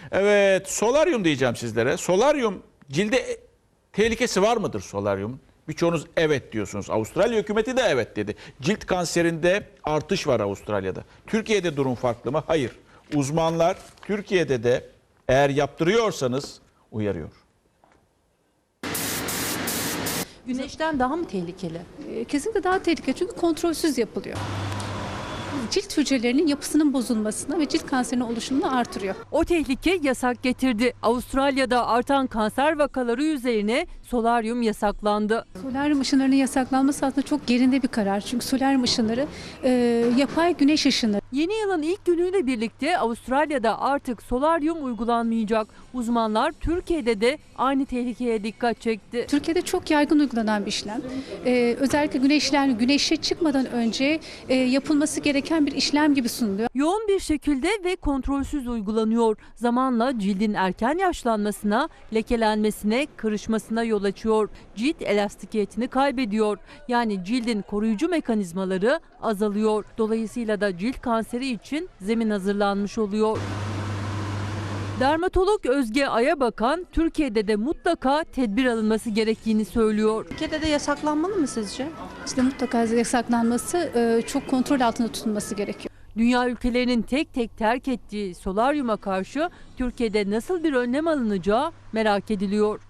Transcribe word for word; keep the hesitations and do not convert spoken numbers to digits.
Evet, solaryum diyeceğim sizlere. Solaryum cilde tehlikesi var mıdır solaryum? Birçoğunuz evet diyorsunuz. Avustralya hükümeti de evet dedi. Cilt kanserinde artış var Avustralya'da. Türkiye'de durum farklı mı? Hayır. Uzmanlar Türkiye'de de eğer yaptırıyorsanız uyarıyor. Güneşten daha mı tehlikeli? E, Kesinlikle daha tehlikeli çünkü kontrolsüz yapılıyor. Cilt hücrelerinin yapısının bozulmasına ve cilt kanserinin oluşumunu artırıyor. O tehlike yasak getirdi. Avustralya'da artan kanser vakaları üzerine solaryum yasaklandı. Solaryum ışınlarının yasaklanması aslında çok yerinde bir karar. Çünkü solaryum ışınları e, yapay güneş ışını. Yeni yılın ilk günüyle birlikte Avustralya'da artık solaryum uygulanmayacak. Uzmanlar Türkiye'de de aynı tehlikeye dikkat çekti. Türkiye'de çok yaygın uygulanan bir işlem. E, özellikle güneşlen, güneşe çıkmadan önce e, yapılması gereken bir işlem gibi sunuluyor. Yoğun bir şekilde ve kontrolsüz uygulanıyor. Zamanla cildin erken yaşlanmasına, lekelenmesine, kırışmasına yol açıyor. Cilt elastikiyetini kaybediyor. Yani cildin koruyucu mekanizmaları azalıyor. Dolayısıyla da cilt kanseri için zemin hazırlanmış oluyor. Dermatolog Özge Ayabakan, Türkiye'de de mutlaka tedbir alınması gerektiğini söylüyor. Türkiye'de de yasaklanmalı mı sizce? İşte mutlaka yasaklanması, e, çok kontrol altında tutulması gerekiyor. Dünya ülkelerinin tek tek terk ettiği solaryuma karşı Türkiye'de nasıl bir önlem alınacağı merak ediliyor.